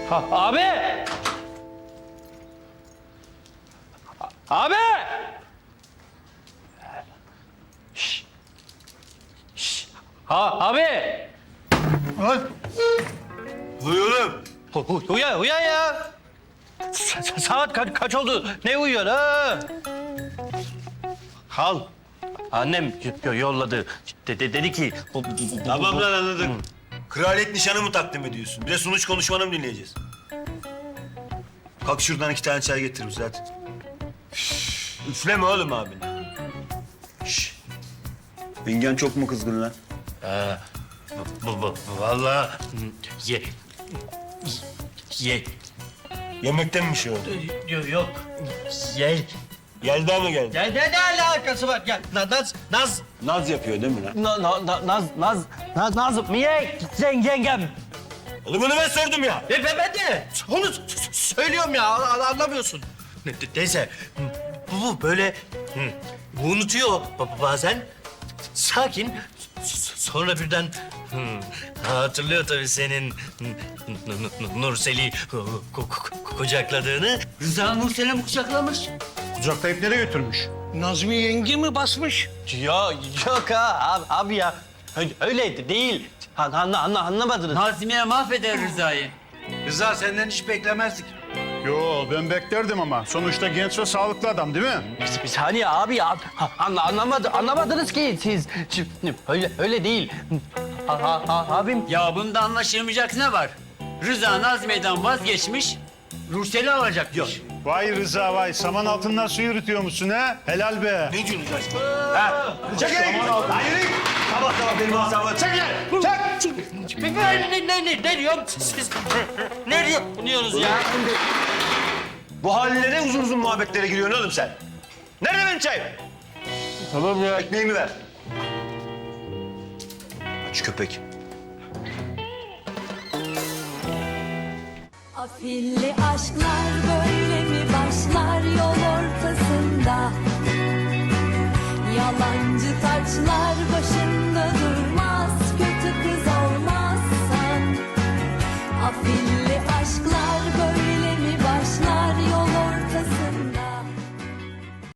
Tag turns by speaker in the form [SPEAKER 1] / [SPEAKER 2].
[SPEAKER 1] Abi! Abi! Şş. Şş. Abi!
[SPEAKER 2] Lan!
[SPEAKER 3] Uyuyorum.
[SPEAKER 1] Uyan ya! Saat kaç oldu? Ne uyuyor ha? Hal. Annem yolladı. Dedi ki...
[SPEAKER 3] Tamam lan anladık. Kraliyet nişanı mı takdim ediyorsun? Bir de sunuş konuşmanı mı dinleyeceğiz? Kalk şuradan 2 tane çay getir zaten. Üfleme oğlum abin. Şş. Yengen çok mu kızgın lan?
[SPEAKER 1] Vallahi ye.
[SPEAKER 3] Yemekten mi bir şey oldu?
[SPEAKER 1] Yok. Ye.
[SPEAKER 3] Yelda mı geldi?
[SPEAKER 1] Ne alakası var? Ya Naz.
[SPEAKER 3] Naz yapıyor değil mi lan?
[SPEAKER 1] Naz. Niye yengem?
[SPEAKER 3] Oğlum bunu ben sordum ya.
[SPEAKER 1] Ben de onu söylüyorum ya, anlamıyorsun. Neyse, bu böyle unutuyor bazen. Sakin, sonra birden hatırlıyor tabii senin Nursel'i kucakladığını.
[SPEAKER 4] Rıza Nursel'i mi kucaklamış?
[SPEAKER 2] Kucaklayıp nereye götürmüş?
[SPEAKER 4] Nazmi yenge mi basmış?
[SPEAKER 1] Ya yok ha abi ya, öyle değil. Anlamadınız.
[SPEAKER 4] Nazmiye mahveder Rıza'yı.
[SPEAKER 5] Rıza senden hiç beklemezdik.
[SPEAKER 2] Yo ben beklerdim ama. Sonuçta genç ve sağlıklı adam değil mi?
[SPEAKER 1] Bir saniye abi ya. Anlamadınız ki siz. Öyle değil. Abim
[SPEAKER 4] Ya bunda anlaşılmayacak ne var? Rıza Nazmiye'den vazgeçmiş, Nursel'i alacakmış.
[SPEAKER 2] Vay Rıza vay. Saman altından su yürütüyormuşsun ha? Helal be.
[SPEAKER 3] Ne diyorsunuz lan? Çekil! Hayır! Sabah benim asabıma çekil! Çek!
[SPEAKER 1] ne diyorum? Siz ne diyorsunuz ya?
[SPEAKER 3] Bu haline ne uzun uzun muhabbetlere giriyorsun oğlum sen? Nerede benim çayım?
[SPEAKER 1] Tamam ya.
[SPEAKER 3] Ekmeğimi ver. Aç köpek.
[SPEAKER 6] Afilli aşklar